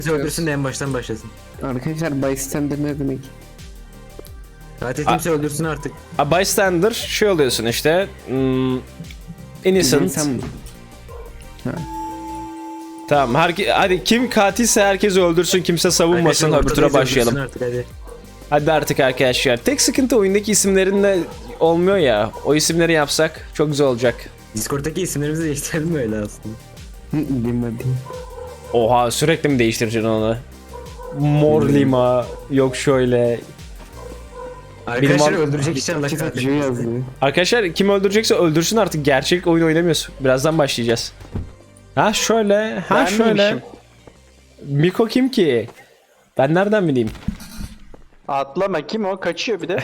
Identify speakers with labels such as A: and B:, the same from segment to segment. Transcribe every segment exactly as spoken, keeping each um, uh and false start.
A: Bizi öldürsün de en baştan başlasın.
B: Arkadaşlar bystander ne demek?
A: Katil kimse öldürsün artık.
C: A bystander şey oluyorsun işte. Hmm, innocent.
B: İnsan mı?
C: Tamam. Herke hadi kim katilse herkes öldürsün, kimse savunmasın.
A: Arkadaşlar,
C: Öbür tura
A: ortadayız,
C: başlayalım.
A: öldürsün artık, hadi.
C: Hadi artık arkadaşlar. Tek sıkıntı oyundaki isimlerinde olmuyor ya. O isimleri yapsak çok güzel olacak.
A: Discord'daki isimlerimizi değiştirelim mi öyle aslında?
B: Bilmedim.
C: Oha, sürekli mi değiştireceksin onu? Mor lima, yok şöyle.
A: Arkadaşlar
C: Benim-
A: öldürecek inşallah
B: Kitapçı
A: katil.
B: yazdı.
C: Arkadaşlar kim öldürecekse öldürsün artık. Gerçek oyun oynamıyoruz. Birazdan başlayacağız. Ha şöyle, ha
D: Ben
C: şöyle.
D: miymişim?
C: Miko kim ki? Ben nereden bileyim?
D: Atlama, kim o? Kaçıyor bir de.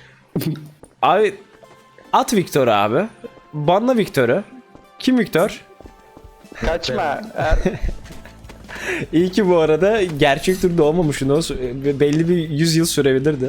C: Abi at Victor abi. Banla Victor'u. Kim Victor?
D: Kaçma. Er-
C: İyi ki bu arada gerçek turda olmamışsın. O sü- belli bir yüz yıl sürebilirdi.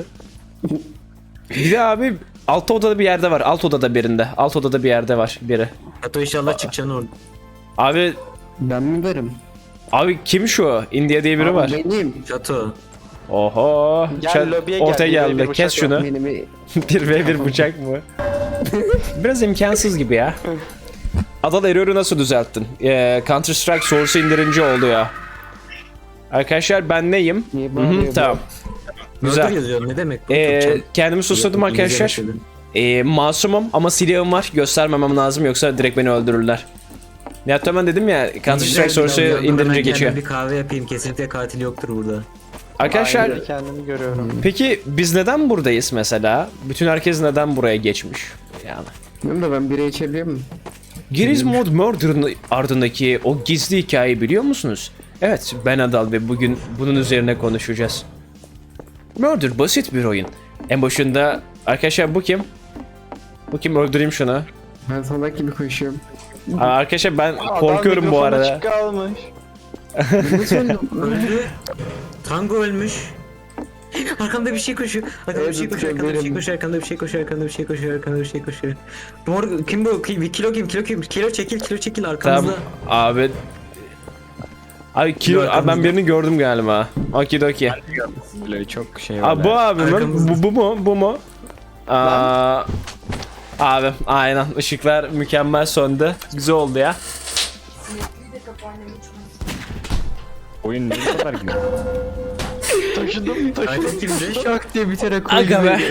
C: Bir de abi alt odada bir yerde var. Alt odada birinde. Alt odada bir yerde var biri.
A: Hatta inşallah çıkacaksın orada.
C: Abi
B: Ben mi varım?
C: abi kim şu? India diye biri
B: Abi
C: var.
B: Benim.
A: Çato.
C: Oho.
D: Gel,
C: Çat-
D: lobiye gel,
C: ortaya
D: bir ve bir
C: geldi.
D: bıçak
C: Kes şunu.
B: Benim.
C: bir ve bir bıçak mı? Biraz imkansız gibi ya. Adal error'u nasıl düzelttin? Ee, Counter Strike Source'u indirince oldu ya. Arkadaşlar ben neyim?
B: Niye
C: Hı hı,
B: bağırıyor bu?
C: tamam.
A: Güzel.
C: Güzel.
A: Yazıyor ne demek? bu?
C: Ee,
A: Çok çal-
C: kendimi susladım
A: İngilizce
C: arkadaşlar.
A: yaşadım.
C: Ee, masumum ama silahım var. Göstermemem lazım yoksa direkt beni öldürürler. Nihat Ömen dedim ya Counter
A: Güzel
C: Strike
A: bir
C: Source'u
A: adam. Ben
C: indirince
A: kendime
C: geçiyor.
A: Bir kahve yapayım, kesinlikle katil yoktur burada.
C: Arkadaşlar
D: Aynı kendimi görüyorum.
C: peki biz neden buradayız mesela? Bütün herkes neden buraya geçmiş? Yani.
B: Bilmiyorum da ben bira içebiliyor muyum?
C: Giriz Mod Murder'ın ardındaki o gizli hikayeyi biliyor musunuz? Evet, ben Adal ve bugün bunun üzerine konuşacağız. Murder basit bir oyun. En başında arkadaşlar bu kim? Bu kim, öldüreyim şunu.
B: Ben salak gibi koşuyorum.
C: Aa, arkadaşlar ben
D: Adam
C: korkuyorum bu
D: mikrofonu
C: arada.
D: açık kalmış.
B: Nasıl öldüm?
A: Öldü. Tango ölmüş. Arkamda bir şey koşuyor. Arkamda bir şey
B: Evet,
A: koşuyor. Arkamda bir şey
B: benim.
A: koşuyor. Arkamda bir şey koşuyor. Arkamda bir şey koşuyor. Arkamda bir şey koşuyor. Mor kim bu? Ki- Kilo kim? Kilo kim? Kilo çekil. Kilo çekil arkamızda.
C: Tamam abi. Abi kilo,
A: Yok,
C: abi ben birini gördüm galiba. Okidoki.
E: Böyle çok şey var.
C: Abi bu abi mi?
A: Arkamızda.
C: Bu, bu mu? Bu mu? Aa, abi aynen, ışıklar mükemmel söndü. Güzel oldu ya.
E: Oyun ne kadar güzel.
D: Taşıdım, taşıdım.
A: Katil kimdi?
B: Şak diye bir tane koydu.
C: Aga be.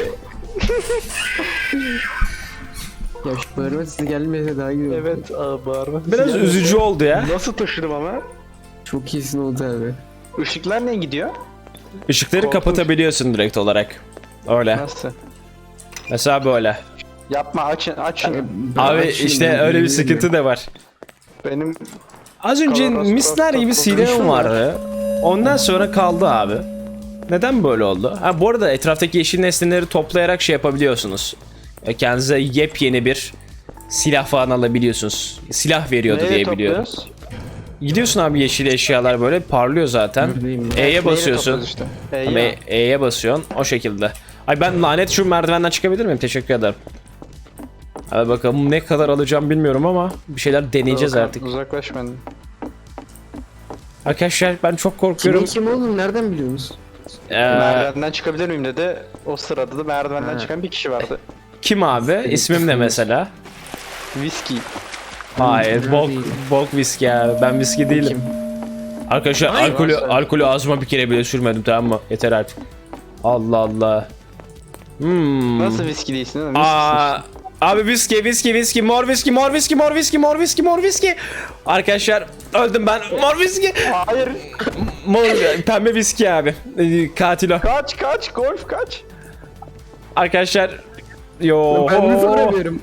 B: Ya şu bağırma size gelmese daha iyi olur.
D: Evet, aa, bağırma.
C: Biraz
D: Silah-
C: üzücü oldu ya.
D: Nasıl taşıdım ama?
B: Çok iyisin oldu abi.
D: Işıklar ne gidiyor?
C: Işıkları
D: Korkunç.
C: kapatabiliyorsun direkt olarak. Öyle.
D: Nasıl?
C: Mesela böyle.
D: Yapma, açın, açın.
C: Abi işte öyle bir sıkıntı da var.
D: Benim
C: Az önce
D: Kavanoz,
C: misler gibi
D: kavanoz,
C: silahım
D: kavanoz.
C: vardı. Ondan sonra kaldı abi. Neden böyle oldu? Ha bu arada etraftaki yeşil nesneleri toplayarak şey yapabiliyorsunuz. E, Kendinize yepyeni bir silah falan alabiliyorsunuz. Silah veriyordu
D: nereye
C: diye biliyorum.
D: topluyoruz?
C: Gidiyorsun abi, yeşil eşyalar böyle parlıyor zaten.
B: Buradayım.
C: E'ye
D: Neyle
C: basıyorsun.
D: topluyoruz işte? Ee,
C: Ama
D: ya.
C: E- E'ye basıyorsun o şekilde. Ay ben lanet şu merdivenden çıkabilir miyim? Teşekkür ederim. Hadi bakalım ne kadar alacağım bilmiyorum ama bir şeyler deneyeceğiz
D: Volkan,
C: artık.
D: Uzaklaş benden.
C: Arkadaşlar ben çok
B: Kimin
C: korkuyorum.
B: kim oğlum nereden biliyorsunuz?
C: Ee,
D: Merdivenden çıkabilir miyim dedi. O sırada da merdivenden
B: Ha.
D: çıkan bir kişi vardı.
C: kim abi? İsmim ne mesela?
D: Viski.
C: Hayır,
B: Ben
C: bok,
B: değilim.
C: bok viski abi. Ben viski değilim. Arkadaşlar
A: Ay,
C: alkolü,
D: varsa-
C: alkolü ağzıma bir kere bile sürmedim, tamam mı? Yeter artık. Allah Allah. Hmm.
D: Nasıl viski değilsin oğlum? Viskisin
C: Aa, abi viski, viski, viski, mor viski, mor viski, mor viski, mor viski, mor viski. Arkadaşlar öldüm ben. Mor viski.
D: işte. Hayır.
C: Mor, pembe viski abi. Ee, Katil o.
D: Kaç kaç golf kaç.
C: Arkadaşlar. Yo.
B: Ben mi soramıyorum?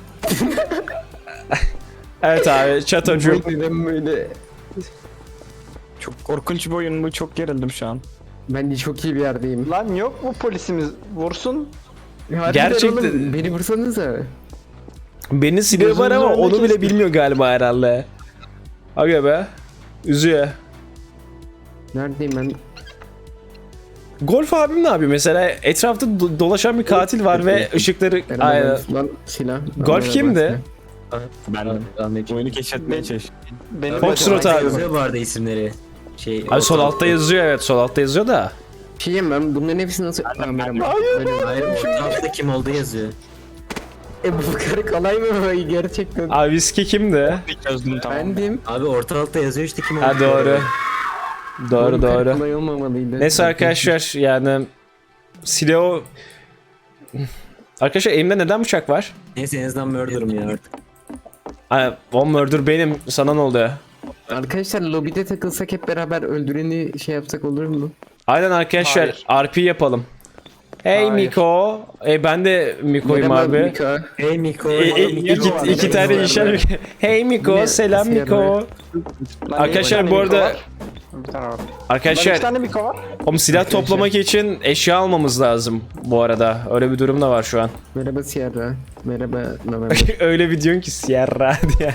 C: Evet abi, çatocu.
B: Neden böyle?
E: Çok korkunç bir oyun bu. Çok gerildim şu an.
B: Ben de çok iyi bir yerdeyim.
D: Lan yok mu polisimiz? Vursun.
B: Harbiden
C: Gerçekten-
B: oğlum, beni vursanıza.
C: Benim silahı var ama
D: Gözünüzün
C: onu
D: önüne
C: bile
D: kestim.
C: bilmiyor galiba herhalde. Aga be. Üzüyor.
B: Neredeyim ben?
C: Golf abim ne yapıyor mesela? Etrafta do- dolaşan bir katil var ve ışıkları... Aynen.
B: Lan silah.
C: Golf kimdi?
E: Ben oyunu keşfetmeye çalışıyorum.
D: Benim
C: Foxtrot abi.
A: Yazıyor bu arada isimleri. Şey,
C: Abi sol altta yazıyor, evet sol altta yazıyor da.
B: Bir şey diyeyim ben bunların hepsini nasıl... Aa, merhaba. Öyle mi?
A: Hayır, orta altta kim olduğu yazıyor.
B: E bu karı kolay mı bu gerçekten?
C: Abi viski kimdi?
E: Çözdüm tamam.
B: Bendim.
A: Abi orta altta yazıyor işte kim olduğu.
C: Ha doğru. Doğru
B: Bu karı
C: doğru.
B: kolay olmamalıydı.
C: Neyse arkadaşlar yani silahı... Arkadaşlar elimde neden bıçak var?
A: Neyse en azından murder'ım ya artık.
C: Ay, o murder benim. Sana ne oldu ya?
B: Arkadaşlar lobide takılsak hep beraber öldüreni şey yapsak olur mu?
C: Aynen arkadaşlar
D: Hayır.
C: R P yapalım. Hey
D: Hayır.
C: Miko. E ben de Miko'yum
B: Merhaba
C: abi.
B: Mika.
A: Hey Miko.
C: E, e,
A: hey Miko.
C: iki,
D: var,
C: iki
D: ne
C: tane
D: var
C: işler.
B: böyle?
C: Hey Miko,
B: Ne?
C: selam
B: Nasıl
C: Miko.
B: yani?
C: Arkadaşlar
D: Bir
C: bu
D: tane Miko
C: arada
D: var. Bir tane var. Bende iki
C: arkadaşlar
D: tane Miko var.
C: oğlum silah toplamak için eşya almamız lazım bu arada. Öyle bir durum da var şu an.
B: Merhaba Sierra. Merhaba November.
C: Öyle bir diyorsun ki Sierra diye.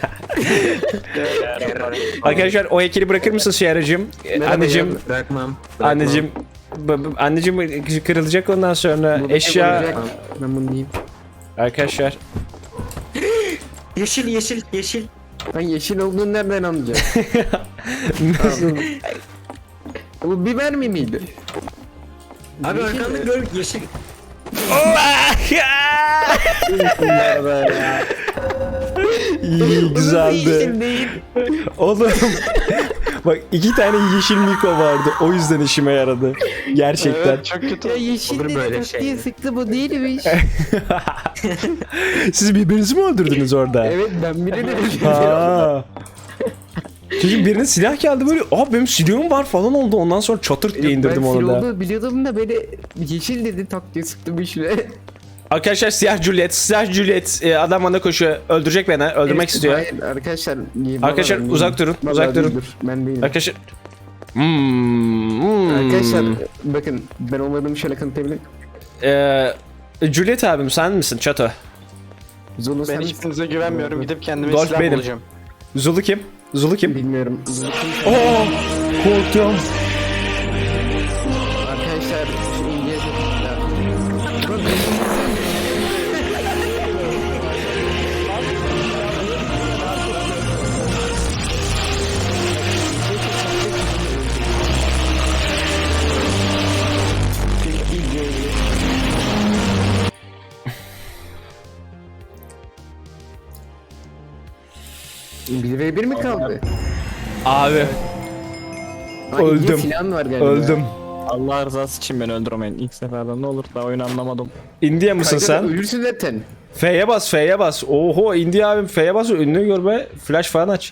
C: Arkadaşlar o heykeli bırakır mısın Sierra'cığım? E,
B: Merhaba
C: Anneciğim,
B: ya.
A: Bırakmam. bırakmam.
C: anneciğim, b- b- anneciğim kırılacak ondan sonra
B: Bu bir şey
C: eşya.
B: olacak. Ben bunu diyeyim.
C: Arkadaşlar
A: Yeşil yeşil yeşil.
B: Ben yeşil olduğunu nereden anlayacağım?
C: nasıl?
B: Bu biber mi miydi?
A: Abi
B: Yeşil
A: arkanda
B: mi?
A: gör yeşil.
C: İyi güzeldi.
B: Yeşil değil.
C: Oğlum bak iki tane yeşil Miko vardı. O yüzden işime yaradı. Gerçekten.
D: Evet çok kötü.
B: Ya yeşil
A: Olur
B: dedi
A: böyle
B: tak
A: şey.
B: diye sıktı bu değilmiş.
C: Siz birbirinizi mi öldürdünüz orada?
B: Evet ben biri dedim.
C: Ha. Çünkü birinin silah geldi böyle, aa benim silahım var falan oldu. Ondan sonra çatırt diye indirdim
B: ben
C: onu da.
B: olduğunu biliyordum da böyle yeşil dedi tak diye sıktı bir şey.
C: Arkadaşlar siyah Juliet, siyah Juliet e, adam bana koşuyor. Öldürecek beni, öldürmek
B: Evet,
C: istiyor.
B: Hayır arkadaşlar.
C: Arkadaşlar,
B: vallahi
C: uzak
B: değilim.
C: durun,
B: Vallahi
C: uzak durun.
B: değildir, Ben değilim.
C: Arkadaşlar. Hmm, hmm.
B: Arkadaşlar bakın ben olmadığımı şöyle kanıtlayabilirim.
C: Ee, Juliet abim sen misin Çato?
B: Zulu
D: Ben
B: sen
D: hiçbirinize güvenmiyorum. Gidip kendime
C: Dolph
D: silah
C: benim.
D: bulacağım.
C: Zulu kim? Zulu kim?
B: bilmiyorum. Zulu kim?
C: Oo, korktum.
B: Arkadaşlar şu İngilizce... Bir ve bir mi kaldı?
C: Abi
B: Aa, İngiliz
C: Öldüm.
B: silahın var galiba.
C: öldüm.
E: Allah rızası için beni öldürmeyin. İlk seferden ne olur daha oyunu anlamadım.
C: India mısın
B: Kanka,
C: sen?
B: Ölürsün zaten.
C: F'ye bas, F'ye bas. Oho India abim F'ye bas, ünlü görme. Flash falan aç.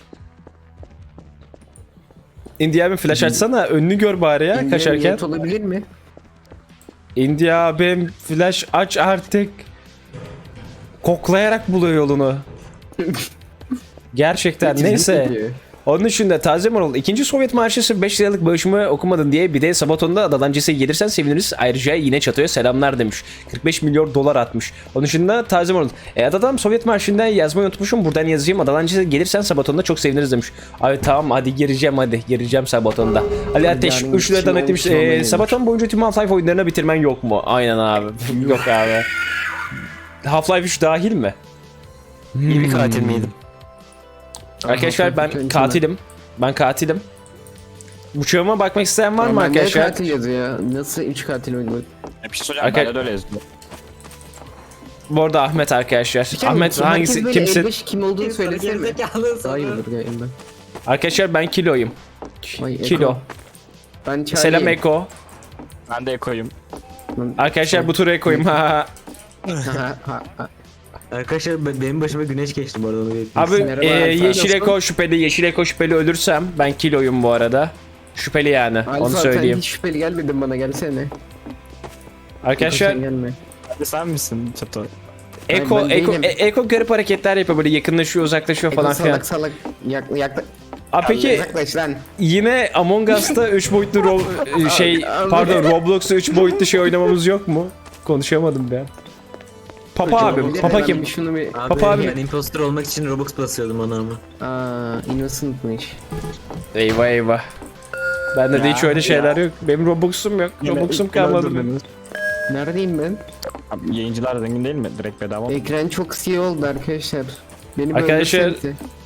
C: India abim flash açsana, önünü gör bari ya
B: İngiliz
C: kaçarken.
B: niyet olabilir mi?
C: India abim flash aç artık. Koklayarak buluyor yolunu. Gerçekten neyse.
B: Kesinlikle.
C: Onun için de taze moral. İkinci Sovyet Marşısı beş liralık bağışımı okumadın diye bir de Sabaton'da Dalancı'ya gelirsen seviniriz. Ayrıca yine Çato'ya selamlar demiş. kırk beş milyon dolar atmış. Onun için de taze moral. E adam Sovyet Marşı'nda yazmayı unutmuşum. Buradan yazacağım. Dalancı'ya gelirsen Sabaton'da çok seviniriz demiş. Abi tamam hadi gireceğim hadi. Gireceğim Sabaton'da. Ali Ateş
B: Yani
C: üç liradan
B: kim
C: etmiş.
B: olmuş,
C: E,
B: olmayı
C: Sabaton boyunca tüm Half-Life oyunlarına bitirmen yok mu? Aynen abi. Yok abi. Half-Life üç dahil mi?
A: İyi bir katil miydim?
C: Arkadaşlar ben
B: Kendime.
C: katilim. Ben katilim. Bıçağıma bakmak isteyen var mı
B: Normalde
C: arkadaşlar?
B: katil yazıyor ya. Nasıl üç katil oynuyor?
E: Ya bir şey söyleyeceğim.
C: Arkadaş-
E: Bende de öyle yazıyor.
C: Bu arada Ahmet arkadaşlar. Ahmet hangisi
B: Herkes böyle
C: kimsin?
B: elbeş kim olduğunu söylesene mi?
A: Gerizekalı
B: Daha iyi
A: sana.
B: olur galiba.
C: Arkadaşlar ben kiloyum.
B: Vay, Eko.
C: Kilo.
B: Ben Charlie.
C: Selam Eko.
E: Ben de ekoyum.
C: Arkadaşlar bu turu Eko'yum. Ha.
B: Ha, ha, ha.
A: Arkadaşlar be- benim başıma güneş geçti bu arada onu belirteyim.
C: Abi
B: Merhaba,
C: e,
B: sen
C: yeşil
B: nasılsın?
C: Eko şüpheli, yeşil Eko şüpheli ölürsem ben kiloyum bu arada. Şüpheli yani
B: Alfa,
C: onu
B: sen
C: söyleyeyim.
B: hiç şüpheli gelmedin bana gelsene.
C: Arkadaşlar
B: Sen gelme.
E: Hadi sen misin Çato?
C: Eko
B: ben
C: Eko
B: değilim.
C: E- Eko garip hareketler yapıyor böyle yakınlaşıyor uzaklaşıyor
B: Eko
C: falan filan.
B: salak salak yak, yak,
C: Aa, peki
B: yaklaş lan.
C: yine Among Us'ta üç boyutlu ro- şey pardon Roblox'ta üç boyutlu şey oynamamız yok mu? Konuşamadım ben. Papa
B: Hocam,
C: abim,
B: bir de
C: Papa
B: ben
C: kim?
B: bir Şunu bir...
A: Abi
C: Papa abi-
A: ben imposter olmak için Robux basıyordum ona ama.
B: Aa, innocentmış.
C: Eyvah eyvah. Bende de
E: Ya,
C: hiç öyle
E: ya.
C: şeyler yok. Benim Robux'um yok.
E: Yine
C: Robux'um
E: ilk
C: kalmadı benim.
E: öldürdünüz.
B: Neredeyim ben?
E: Abi, yayıncılar zengin değil mi? Direkt bedava mı?
B: Ekran çok siyah oldu arkadaşlar. Beni
C: Arkadaşlar-
B: öldürsenize.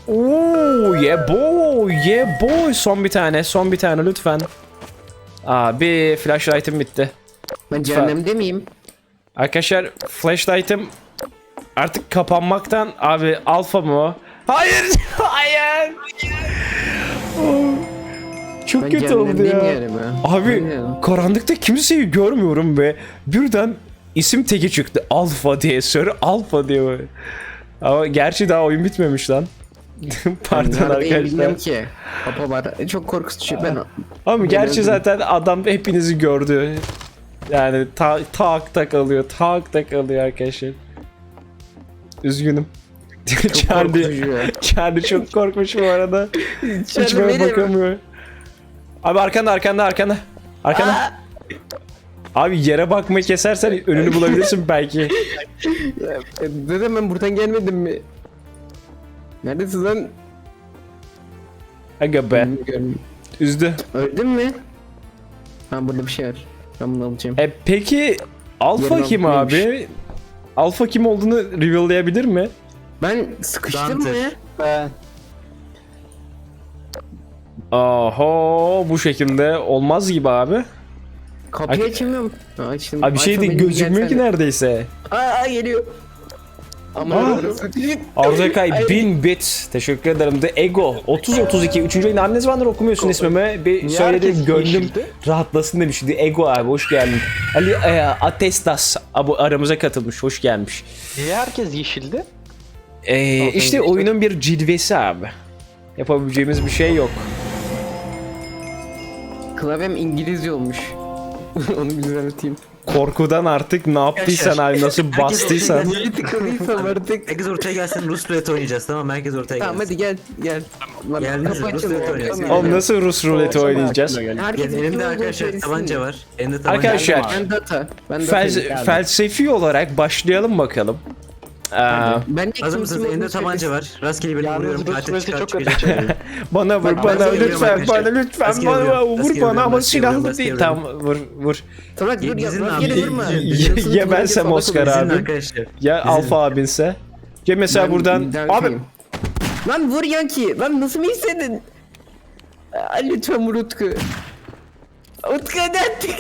C: Oo, yeah boy, yeah boy. Son bir tane, son bir tane lütfen. Abi flashlight'ım bitti.
B: Ben cehennemde miyim?
C: Arkadaşlar flashlight'ım artık kapanmaktan abi alfa mı o? Hayır, hayır. Oh, çok
B: Ben
C: kötü oldu
B: cehennemdeyim
C: ya.
B: yani ben.
C: Abi
B: Aynen.
C: karanlıkta kimseyi görmüyorum ve birden isim teki çıktı. Alfa diye, Sir Alfa diye böyle. Ama gerçi daha oyun bitmemiş lan. Pardon
B: Neredeyim
C: arkadaşlar.
B: bilmiyorum ki. Papa var. E, Çok korkutucu. Ben
C: Ama gerçi
B: öldüm.
C: zaten adam hepinizi gördü. Yani ta tak tak alıyor, tak tak alıyor arkadaşlar. Üzgünüm. Charlie,
B: korkutucu ya.
C: Charlie çok korkmuş bu arada. Hiç
B: Charlie
C: böyle
B: benim.
C: bakamıyor. Abi arkanda arkanda arkanda. Arkanda. Abi yere bakmayı kesersen önünü bulabilirsin belki.
B: E, Dedim ben buradan gelmedim mi? Neredesin lan?
C: Aga be.
B: Bilmiyorum.
C: Üzdü.
B: Öldün mü? Ha burada bir şey var. Ben bunu alacağım.
C: E peki Alfa
B: Yarın
C: kim
B: neymiş?
C: abi? Alfa kim olduğunu reveal'layabilir mi?
B: Ben sıkıştım
A: Dante.
B: mı?
D: Ben
C: Oho bu şekilde olmaz gibi abi.
B: Kapıyı
C: Ay-
B: açamıyorum. Ha, açtım.
C: Abi bir şey
B: Alfa
C: de
B: benim bir
C: gözükmüyor ki
B: gelsene.
C: neredeyse.
B: Aa geliyor. Ama
C: Aa.
B: orası-
C: Arzakay
B: Ay.
C: bin bit. Teşekkür ederim. The Ego otuz otuz iki. Üçüncü ayın anne zamandır okumuyorsun ismimi. Bir
D: Niye
C: söyledim
D: herkes
C: gönlüm
D: yeşildi?
C: rahatlasın demiş. The Ego abi hoş geldin. Ali e, Atestas abi aramıza katılmış. Hoş gelmiş.
D: niye herkes yeşildi?
C: E,
D: Aferin
C: işte
D: işte.
C: oyunun bir cilvesi abi. Yapabileceğimiz bir şey yok.
B: Klavyem İngilizce olmuş. Onu bir düzelteyim.
C: Korkudan artık ne yaptıysan abi nasıl
A: Herkes
C: bastıysan.
A: ortaya
B: Niye tıkalıysam artık.
A: Herkes ortaya gelsin, Rus ruleti oynayacağız, tamam mı? Herkes ortaya
B: Tamam
A: gelsin.
B: hadi gel gel. Lan,
A: Geldiniz
B: kapı
A: mi? Rus
B: açılıyor.
A: ruleti oynayacağız.
B: Tamam.
C: Oğlum nasıl Rus ruleti oynayacağız?
B: Herkes
A: Gel, elimde arkadaşlar tabanca var. Elimde tabanca
C: Arkadaşlar,
A: var.
B: Ben data. Ben data.
C: Fel- felsefi olarak başlayalım bakalım. Aa,
B: Ben
A: Hazır mısınız? Elimde tabanca var. Rastgele birini
D: Yalnız
A: vuruyorum.
D: Rus
A: Katil
D: ruleti
A: çıkar
D: çok kötü.
A: çıkacak.
C: bana vur
A: Bak,
C: bana
A: rastgele
C: lütfen
A: vuruyorum
C: bana
A: arkadaşlar.
C: lütfen
A: Rastgele
C: bana
A: vuruyorum,
C: vur
A: rastgele
C: bana
A: vuruyorum,
C: ama
A: rastgele
C: silahlı
A: vuruyorum,
C: değil.
A: rastgele
C: Tamam vur vur.
B: Salak dur ya.
A: Gizlin abi,
B: Rastgele
A: gizlin.
B: vurma.
A: Gizlin.
C: Ya bensem Oscar
A: İzin
C: abi.
A: arkadaşlar.
C: Ya Alfa abinse. Ya mesela
B: Ben
C: buradan
B: bir
C: abi
B: dakikayım. Lan vur Yanki. Lan nasıl mı istedin? Aa, lütfen vur Utku. Utku hadi artık.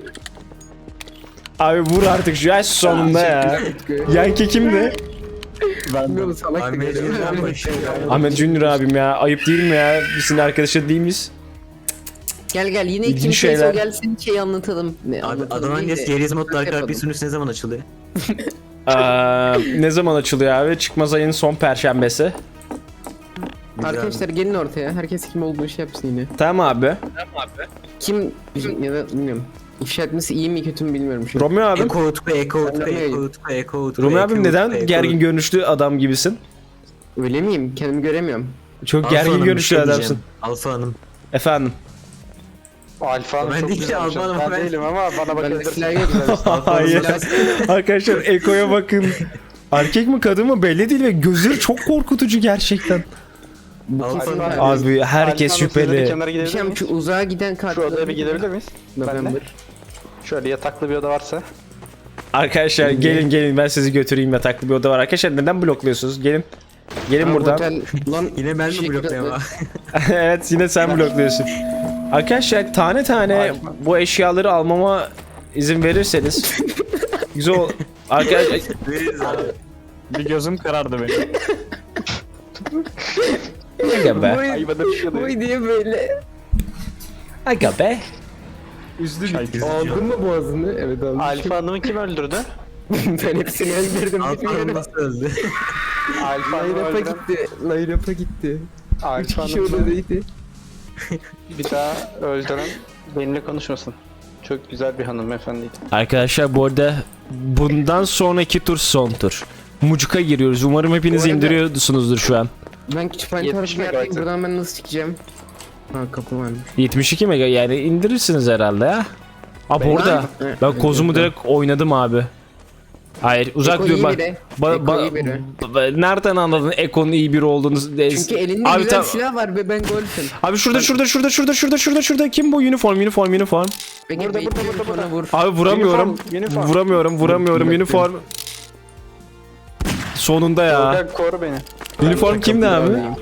C: abi vur artık şu yaş sonunda ya. Yankee kimdi?
B: Bilmiyorum salak da
A: Ahmet
B: geliyor.
A: Cündar başlıyor.
C: Ahmet Junior abim ya. Ayıp değil mi ya? Biz senin arkadaşı değil miyiz?
B: Gel gel yine
C: İlginç
B: kim şeyler.
C: şeyler.
B: O gelsin şey anlatalım. Ne,
A: Abi
B: anlatalım
A: Adnan
B: değil
A: Yes
B: de-
A: Geriz modlu arka
B: yapalım.
A: bir sunucu ne zaman açılıyor?
C: Aa, ne zaman açılıyor abi? Çıkmaz ayın son perşembesi.
B: Arkadaşlar gelin ortaya. Herkes kim olduğunu şey yapsın yine.
C: Tamam abi.
B: Kim ya da bilmiyorum. İfşa etmesi iyi mi kötü mü bilmiyorum şu an.
C: Romeo abim.
A: Eko Utku, Eko Utku,
B: Ben de
A: Eko Utku, Eko Utku.
C: Romeo
A: Eko
C: abim
A: Utku,
C: neden
A: Eko
C: gergin
A: Utku.
C: görünüşlü adam gibisin?
B: Öyle miyim? Kendimi göremiyorum.
C: Çok
A: Alfa
C: gergin
A: Hanım, bir
C: görünüşlü
A: şey
C: adamsın.
A: diyeceğim. Alfa Hanım.
C: Efendim.
D: Alfa Hanım
A: Ben
D: çok
A: değil,
D: güzel.
A: Alfa Hanım,
D: Ben
A: ben-
D: değilim ama bana
B: Ben de
D: bakabilirsin.
B: silah yok.
C: Hayır. Arkadaşlar Eko'ya bakın. Erkek mi kadın mı belli değil ve gözleri çok korkutucu gerçekten.
A: Alfa Hanım.
D: Alfa-
C: Abi herkes
D: Alfa Hanım, siz de bir
C: şüpheli.
D: kenara
B: Bir
D: gidebilir
B: şey
D: miyiz?
B: şu uzağa giden kart.
D: Şu odaya bir gidebilir miyiz?
B: November.
D: Şöyle yataklı bir oda varsa.
C: Arkadaşlar gelin gelin ben sizi götüreyim yataklı bir oda var. Arkadaşlar neden blokluyorsunuz? Gelin. Gelin
B: Ha,
C: buradan.
B: Otel, lan
A: Yine ben mi
B: Teşekkür
A: bloklayayım
B: ederim.
A: ama?
C: Evet yine sen blokluyorsun. Arkadaşlar tane tane bu eşyaları almama izin verirseniz güzel ol- Arkadaşlar
A: Veririz abi.
E: Bir gözüm karardı benim.
C: aga be.
D: Ayıbada bir şey oluyor.
B: Boy diye böyle.
C: Aga be.
B: Aldın mı boğazını? Evet aldım.
D: Alfa Hanım'ı kim öldürdü?
B: Ben hepsini öldürdüm.
A: Alfa Hanım
B: Bilmiyorum.
A: nasıl öldü?
D: Alfa Hanım'ı
B: Layrap'a
D: öldüren.
B: gitti. Layrap'a gitti. Üç
D: Alfa
B: kişi
D: Hanım'ı
B: odadaydı.
D: bir daha öldüren benimle konuşmasın. Çok güzel bir hanımefendiydi.
C: Arkadaşlar bu arada bundan sonraki tur son tur. Mucuk'a giriyoruz. Umarım hepiniz
B: Bu arada-
C: indiriyorsunuzdur şu an.
B: Ben kütüphane
D: yetmiş
B: tarafı yerdeyim.
D: megabaytı.
B: Buradan ben nasıl çıkacağım? Ha kapı varmış.
C: yetmiş iki mega yani indirirsiniz herhalde ya. Abi orada
B: Evet,
C: ben
B: evet,
C: kozumu
B: evet.
C: direkt oynadım abi. Hayır uzak
B: Eko
C: dur
B: iyi
C: bak.
B: biri.
C: Ba-
B: Eko
C: ba-
B: iyi biri.
C: ba- nereden anladın Eko'nun iyi biri olduğunu?
B: Çünkü elinde
C: abi,
B: güzel
C: tam-
B: silah var ve ben golfüm.
C: abi şurada şurada şurada şurada şurada şurada şurada kim bu uniform uniform uniform?
B: Peki
D: Burada, burada,
B: bekliyorum,
D: burada,
B: bana vur.
C: Abi vuramıyorum.
D: Uniform, uniform.
C: Vuramıyorum vuramıyorum uniform. Sonunda ya.
D: Tolga koru beni.
C: Uniform kimdi abi?
B: Alayım.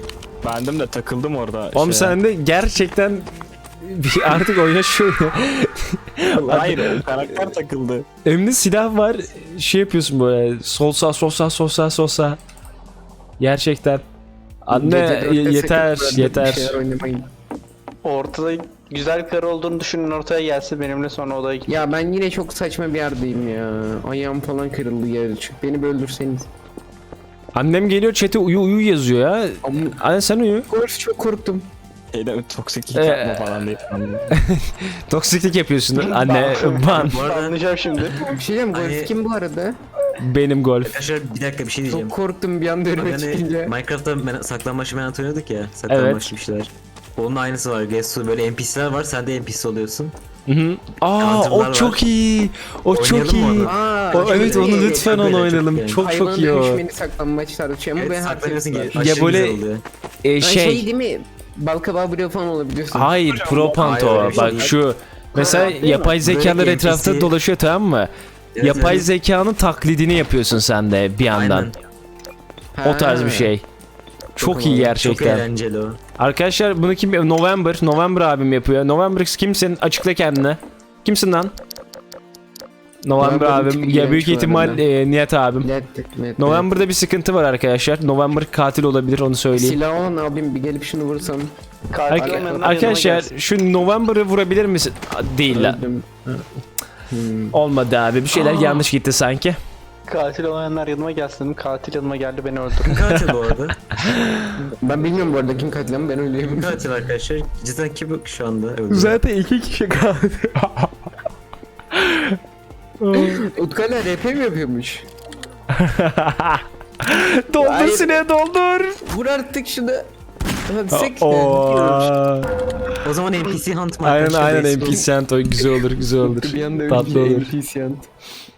E: Bendim de takıldım orada.
C: Oğlum
E: şeye.
C: sen de gerçekten bir artık oyna şu.
E: Hayır, o karakter takıldı.
C: Önünde silah var. Şey yapıyorsun böyle. Sol sağ sol sağ sol sağ sol sağ. Gerçekten. Anne
B: Gece dörtte
C: ye- yeter
B: sakın böyle bir
C: yeter.
B: şeyler oynamayın.
D: Ortada güzel karı olduğunu düşünün, ortaya gelse benimle sonra odaya git.
B: Ya ben yine çok saçma bir yerdeyim ya. Ayağım falan kırıldı yere çık. Beni bir öldürseniz.
C: Annem geliyor chat'e uyu uyu yazıyor ya.
B: Ama
C: Anne sen uyu.
B: Golf çok korktum.
E: Şeyden toksiklik
C: Ee,
E: yapma falan diye.
C: Toksiklik yapıyorsun anne. Ban.
A: Bu arada
D: Anlayacağım şimdi.
B: Bir şey diyeyim, Golf
A: Hani-
B: kim bu arada?
C: Benim golf.
A: arkadaşlar bir dakika bir şey diyeceğim.
B: Çok korktum bir anda önüme
A: Hani
B: çıkınca.
A: Minecraft'ta men- saklambaç menat oynadık ya. Saklambaç bir şeyler. Onun aynısı var. Gesu böyle N P C'ler var. Sen de N P C oluyorsun.
C: Hı hı. Aa
A: Counter'lar
C: o
A: var.
C: çok iyi. O çok
A: Oynayalım mı
C: iyi.
A: onu?
B: Aa,
C: O,
B: çok
C: evet
B: iyi.
C: onu lütfen
A: Çok
C: onu
A: iyi, çok
C: oynayalım.
A: iyi.
C: Çok
B: Hayvana
C: çok iyi o.
B: dönüşmeni saklanmaç tartışıyor ama
A: Evet,
B: ben
A: saklanıyorsun
B: haklı.
A: ki aşırı
C: böyle-
A: güzel oluyor.
C: E,
B: Ay,
C: şey.
B: şey değil mi? Balkabağı bloğu falan olabiliyorsun.
C: Hayır Pro Panto.
A: Hayır, öyle bir şey
C: Bak
A: değil.
C: şu. Mesela
B: değil mi?
C: yapay zekalar
A: Böyle
C: etrafta
A: N P C
C: dolaşıyor tamam mı?
A: Evet,
C: Yapay
A: evet.
C: zekanın taklidini yapıyorsun sen de bir yandan.
A: Aynen.
B: Ha.
C: O tarz bir şey. Çok iyi
A: Çok
C: gerçekten.
A: eğlenceli o.
C: Arkadaşlar bunu kim? November. November abim yapıyor. November kimsin? Açıkla kendini. Kimsin lan? November
B: November
C: abim.
B: kim
C: Ya büyük
B: iğrenç bu
C: ihtimal
B: arada.
C: e, Nihat abim.
B: Net, net, net.
C: November'da bir sıkıntı var arkadaşlar. November katil olabilir onu söyleyeyim.
B: Silah olan abim bir gelip şunu vursam.
D: Katil
C: Arka-
D: olmayanlar yanıma
C: arkadaşlar
D: gelsin.
C: şu November'ı vurabilir misin? Aa, Değil lan.
B: Öldüm. Hmm.
C: Olmadı abi. Bir şeyler
A: Aa.
C: yanlış gitti sanki.
D: Katil olmayanlar yanıma gelsin. Katil yanıma geldi, beni öldürdü.
A: Kim katil bu arada?
B: Ben bilmiyorum bu arada kim katil ama ben öyleyim.
A: Kim katil arkadaşlar? Cidden kim şu anda öldü?
C: Zaten iki kişi kaldı.
B: Utkay'la R P mi yapıyormuş?
C: doldur
B: Hayır.
C: sineğe doldur.
B: Vur artık şunu. Hadi sek.
C: Oo.
A: O zaman N P C Hunt mı
C: Aynen
A: arkadaşlar?
C: aynen
A: Basic
C: N P C Hunt o güzel olur güzel olur.
B: Bir anda
C: Tatlı
B: öyle
C: olur.
B: N P C yant.